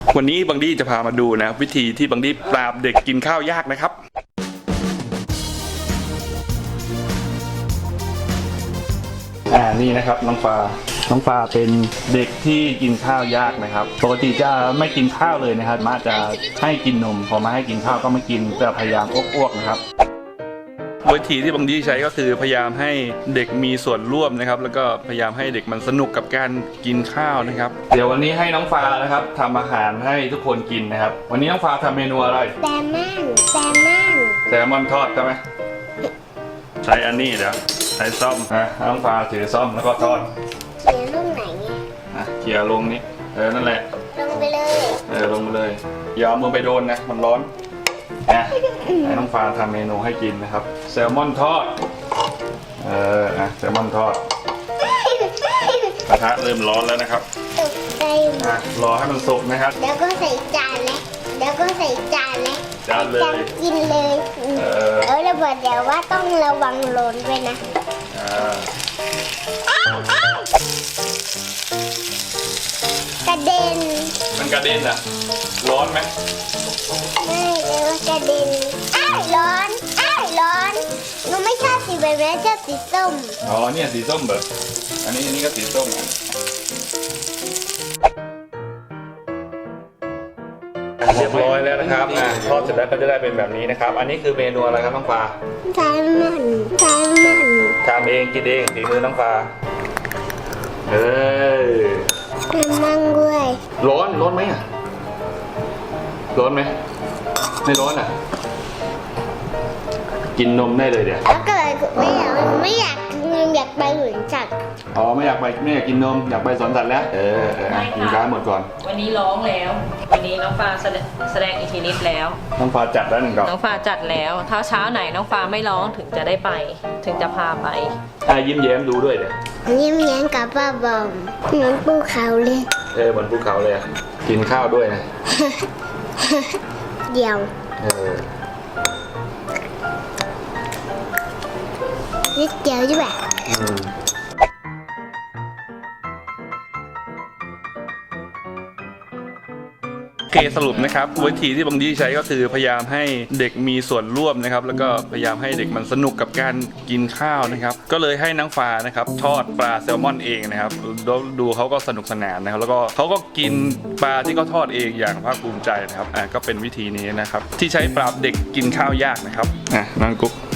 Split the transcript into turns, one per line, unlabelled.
วันนี้บังดี้จะพามาดูนะวิธีที่บังดี้ปราบเด็กกินข้าวยากนะครับนี่นะครับน้องฟ้าเป็นเด็กที่กินข้าวยากนะครับปกติจะไม่กินข้าวเลยนะครับมาจะให้กินนมพอมาให้กินข้าวก็ไม่กินจะพยายามอ้วกนะครับวิธีที่บังดี้ใช้ก็คือพยายามให้เด็กมีส่วนร่วมนะครับแล้วก็พยายามให้เด็กมันสนุกกับการกินข้าวนะครับเดี๋ยววันนี้ให้น้องฟ้านะครับทำอาหารให้ทุกคนกินนะครับวันนี้น้องฟ้าทำเมนูอะไรแซลมอนทอดใช่ไหมใช้อันนี้เดี๋ยวใช้ซ่อมนะน้องฟ้าถือซ่อมแล้วก็ทอด
เขียนลงไหนเนี่ย
เขี่ยลงนี้นั่นแหละ
ลงไปเลย
ลงไปเลยอย่าเอามือไปโดนนะมันร้อนให้น้องฟ้าทำเมนูให้กินนะครับแซลมอนทอดแซลมอนทอดกระทะเริ่มร้อนแล้วนะครับรอให้มันสุกนะครับ
แล้วก็ใส่จานเลย
จานเลย
กินเลยแล้วบอกเดี๋ยวว่าต้องระวังร้อนด้วยนะกระเด็น
มันกระเด็นอ่ะร้อนไหม
ไม่เลยว่ากระเด็นร้อนหนูไม่ชอบสีแบบนี้ชอบสีส้ม
เนี่ยสีส้มแบบอันนี้ก็สีส้มเรียบร้อยแล้วนะครับทอดเสร็จแล้วก็จะได้เป็นแบบนี้นะครับอันนี้คือเมนูอะไรครับน้องฟ้า
แซลมอน
ทำเองกินเองฝีมือน้องฟ้า
มั่งด้วย
ร้อนไหมร้อนไหมไม่ร้อนกินนมได้เลยเดี๋ยว
แล้วก็ไม่อยากไปสวนสัตว์
ไม่อยากกินนมอยากไปสวนสัตว์แล้วกินข้าวหมดก่อน
วันนี้ร้องแล้ววันนี้น้องฟ้าแสดงอิทธิฤทธิ์แล้ว
น้องฟ้าจัดแล้ว1 ดอก
น้องฟ้าจัดแล้วถ้าเช้าไหนน้องฟ้าไม่ร้องถึงจะได้ไปถึงจะพาไป
ยิ้มแย้มดูด้วยเดี๋ยว
ยิ้มแย้มกับป้าบอมเหมือนภูเขาเลย
เหมือนภูเขาเลยกินข้าวด้วยนะ
เดี๋ยวนิดเดียวใช่ไหม
สรุปนะครับวิธีที่บังดี้ใช้ก็คือพยายามให้เด็กมีส่วนร่วมนะครับแล้วก็พยายามให้เด็กมันสนุกกับการกินข้าวนะครับก็เลยให้น้องฟ้านะครับทอดปลาแซลมอนเองนะครับดูเขาก็สนุกสนานนะครับแล้วก็เขาก็กินปลาที่เขาทอดเองอย่างภาคภูมิใจนะครับก็เป็นวิธีนี้นะครับที่ใช้ปราบเด็กกินข้าวยากนะครับน้องกุ๊ก